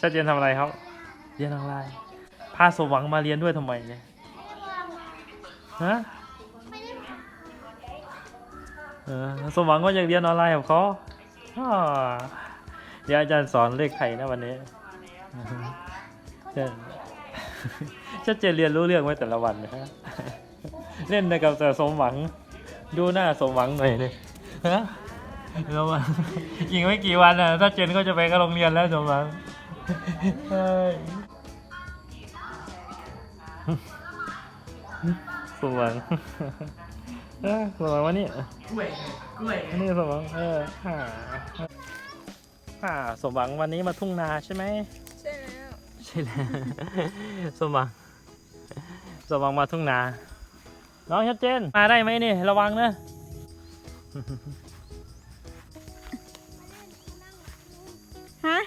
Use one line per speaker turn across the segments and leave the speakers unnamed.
ชัดเจนทำอะไรครับเรียนออนไลน์พาสมหวังมาเรียนด้วยทำไมเนี่ยฮะสมหวังก็ยังเรียนออนไลน์กับเขาเดี๋ยวอาจารย์สอนเลขไทยนะวันนี้ชัดเจนเรียนรู้เรื่องไว้แต่ละวันนะฮะเล่นกับแต่สมหวังดูหน้าสมหวังหน่อยเลยฮะแล้วมันอีกไม่กี่วันอ่ะถ้าเจนก็จะไปก็โรงเรียนแล้วสมหวังสมหวังสมหวังวันนี้นี่สมหวังสมหวังวันนี้มาทุ่งนาใช่ไหมใช่แล้วสมหวังมาทุ่งนาน้องชัดเจนมาได้ไหมนี่ระวังนะ
ฮะ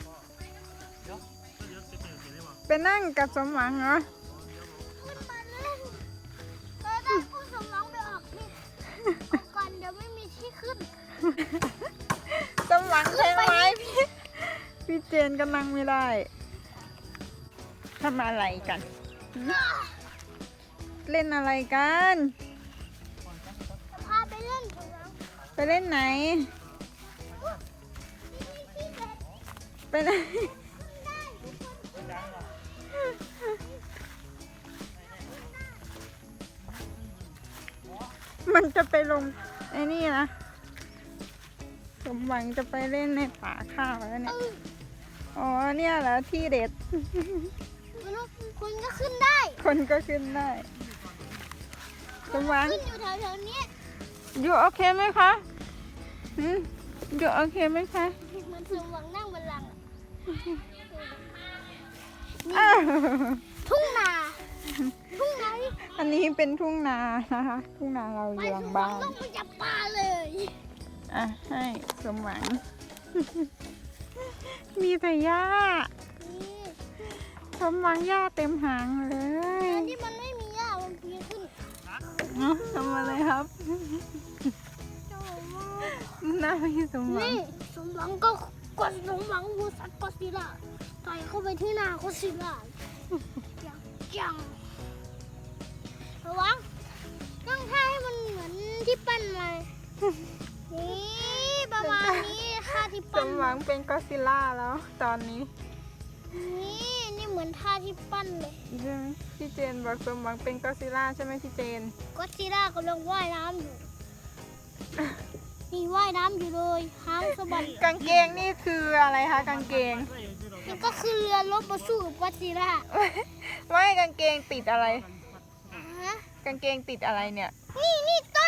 ไปนั่งกับสมหวังเหรอ
ขึ้นมาเล่นแล้วถ้าผู้สมหวังไปออกนี่ก่อนเดี๋ยวไม่มีที่ขึ้น
สมหวังใช่ไหมพี่เจนก็นั่งไม่ได้ทำอะไรกันเล่นอะไรกัน
พาไปเล่นสมหวัง
ไปเล่นไหนไปไหนมันจะไปลงไอ้นี่นะสมหวังจะไปเล่นในป่าข้าวแล้วเนี่ยอ๋อเนี่ยเหรอที่เด็ด
คุณก็ขึ้นได้
คนก็ขึ้นได้สมหวัง
ขึ้นอยู่แถวๆนี้
อยู่โอเคไหมคะอยู่โอเคไหมคะ
มันสมหวังนั่งบนหลังทุ่งนา
อันนี้เป็นทุ่งนานะคะทุ่งนาเราอยู่หลังบ้าน
ต้องไปจับปลาเลย
ให้สมหวังมีแต่หญ้าสมหวังหญ้าเต็มหางเลย
อันที่มันไม่มีหญ้ามันปีนขึ้น
ทำอะไรครับน่าพี่สมหวัง
นี่สมหวังก็กดสมหวังบูสัตก็ซิล่าต่อยเข้าไปที่หน้าก็ซิล่าจังระวังต้องท่าให้มันเหมือนที่ปั้นมานี่ประมาณนี้ท่าที่
ส
ปั้น
มหวังเป็นก็ซิล่าแล้วตอนนี้
นี่เหมือนท่าที่ปั้นเลย
ใช่ไหมพี่เจนบอกสมหวังเป็นก็ซิล่าใช่ไหมพี่เจน
ก็ซิล่ากำลังว่ายน้ำอยู่นี่ว่ายน้ำอยู่เลยหางสะบัด
กางเกงนี่คืออะไรคะกางเกง
นี่ก็คือเรือรบมาสู้กับก็ซิล่า
ไม่กางเกงติดอะไรกางเกงติดอะไรเนี่ย
นี่ต้